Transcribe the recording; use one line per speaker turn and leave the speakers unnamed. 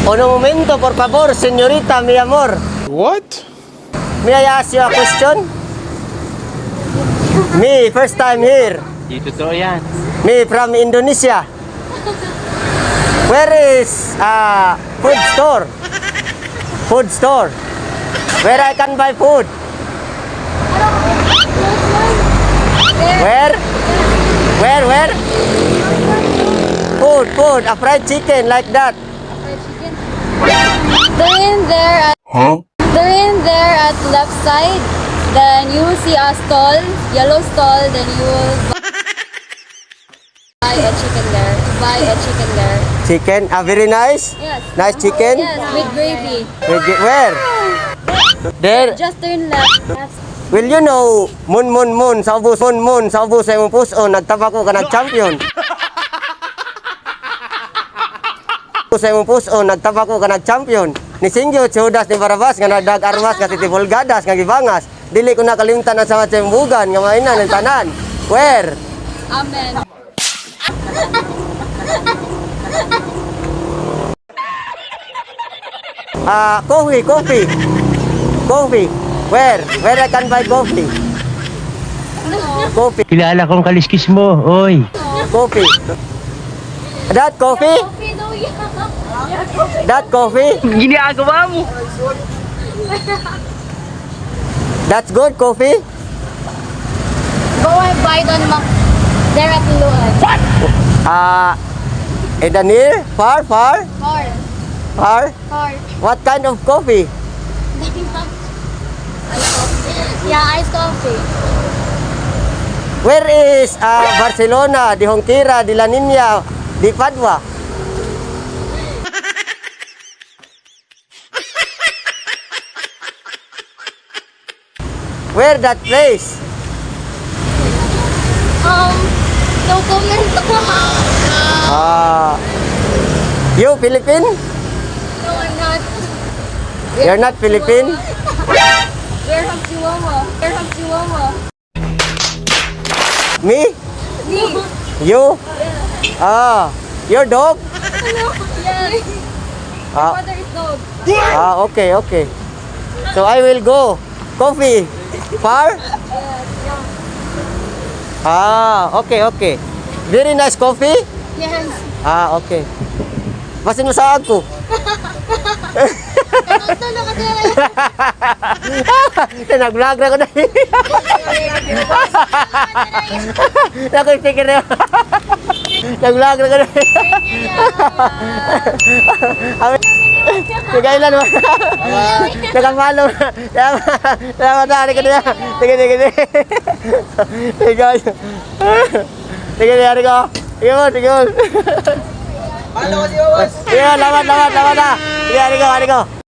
Uno momento, por favor, señorita, mi amor.
What?
May I ask you a question? Me, first time here.
Di totoo yan.
Me from Indonesia. Where is food store? Food store. Where I can buy food? Where? Where? Food. A fried chicken like that.
They're in there at left side. Then you will see a stall, yellow stall. Then you will buy a chicken there.
Chicken, very nice.
Yes.
Nice chicken.
Yes, with gravy.
Where? There.
Just turn left.
Will you know, moon, sa ubos sa imong puso, nagtabako ka nag-champion. Sa imong puso, nagtabako ka nag-champion. Ni Singyo, Judas ni Barabas, nga nagdag armas, nga titipolgadas, nga gibangas. Dili ko nakalimtan ang sama tiyembugan, nga mainan, ng tanan. Where?
Amen.
Coffee. Where I can buy coffee? Coffee.
Kilala kong kaliskis mo, oy.
Coffee. That coffee? That coffee?
Ginagawa mo.
That's good coffee?
Go and buy it on there at Luan.
In the near? Far?
Far.
What kind of coffee?
Yeah, iced coffee.
Where is Barcelona, Di Jonquera, Di La Niña, Di Padua? Where that place?
No comment.
You Philippine?
No, I'm not.
You're not Philippine?
We're from Chihuahua.
Me?
Me.
You? Your dog?
Hello. Yes.
Ah,
Mother is dog.
okay. So I will go. Coffee. Far? Okay. Very nice coffee?
Yes.
Okay. Basin mo sa ako.
Tulog ka din.
Nag-vlog na ko na. Nakikikir na. Nag-vlog na ko na. Sigailan mo. Nakamalo. Salamat na. Sige na. Sige. Sige, hari ko. Sige mo. Sige, lawan na. Sige, hari ko.